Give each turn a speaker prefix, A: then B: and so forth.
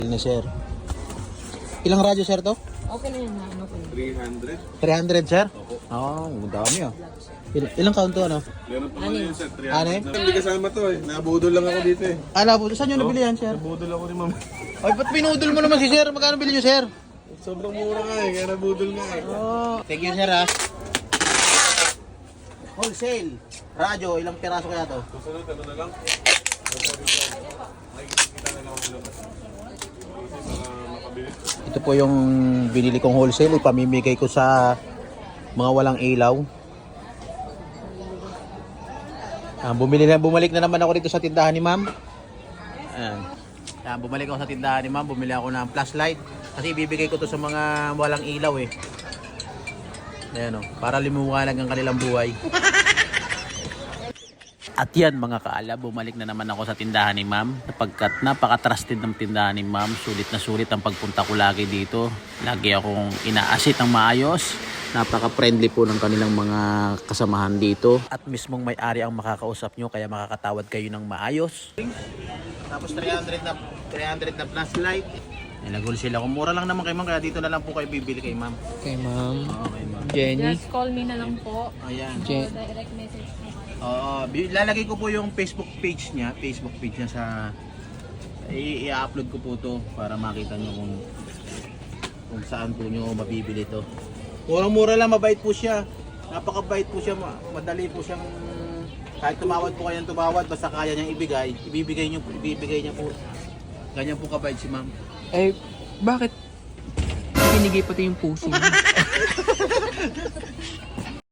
A: Ni sir. Ilang radyo sir to?
B: Okay na yan, ano ko yun.
A: 300 sir?
C: Opo.
A: Ang dami ah. Ilang count to ano?
C: Meron pa man yun, sir. 300
A: Ano eh?
C: na. Hindi kasama to eh. Nabudol lang ako dito eh.
A: Po, saan nyo nabili yan sir?
C: Nabudol ako ni ma'am.
A: Ay, ba't pinudol mo naman si sir? Magkano bili nyo sir?
C: Sobrang mura nga eh, kaya nabudol nga eh.
A: Thank you sir ah. Wholesale. Radyo, ilang piraso kaya to?
C: Susunod, ano na lang? Nakikita na lang ako sa labas. Makabili.
A: Ito po yung binili kong wholesale. Ipamimigay ko sa mga walang ilaw. Bumalik na naman ako dito sa tindahan ni ma'am. Bumalik ako sa tindahan ni ma'am. Bumili ako ng flashlight. Kasi ibibigay ko to sa mga walang ilaw eh. Ayan o, para limuwanag ang kanilang buhay. At yan mga kaala, bumalik na naman ako sa tindahan ni ma'am. Sapagkat napaka-trusted ng tindahan ni ma'am. Sulit na sulit ang pagpunta ko lagi dito. Lagi akong inaasit ng maayos. Napaka-friendly po ng kanilang mga kasamahan dito. At mismong may-ari ang makakausap nyo, kaya makakatawad kayo ng maayos. Tapos 300 na flashlight. Nilagol sila. Kung mura lang naman kay ma'am, kaya dito na lang po kayo bibili kay ma'am.
D: Kay ma'am.
A: Oo, kay ma'am.
D: Jenny.
B: Just call me na lang po.
A: Ayan.
D: Je-
B: Direct message po.
A: Lalagay ko po yung Facebook page niya sa i-upload ko po to para makita nyo kung saan po nyo mabibili to. Murang-mura lang, mabait po siya. Napakabait po siya, madali po siyang kahit tumawad po kayang tumawad, basta kaya niyang ibibigay niya po. Ganyan po kabait si ma'am.
D: Eh, bakit? Binigay pati yung puso niya.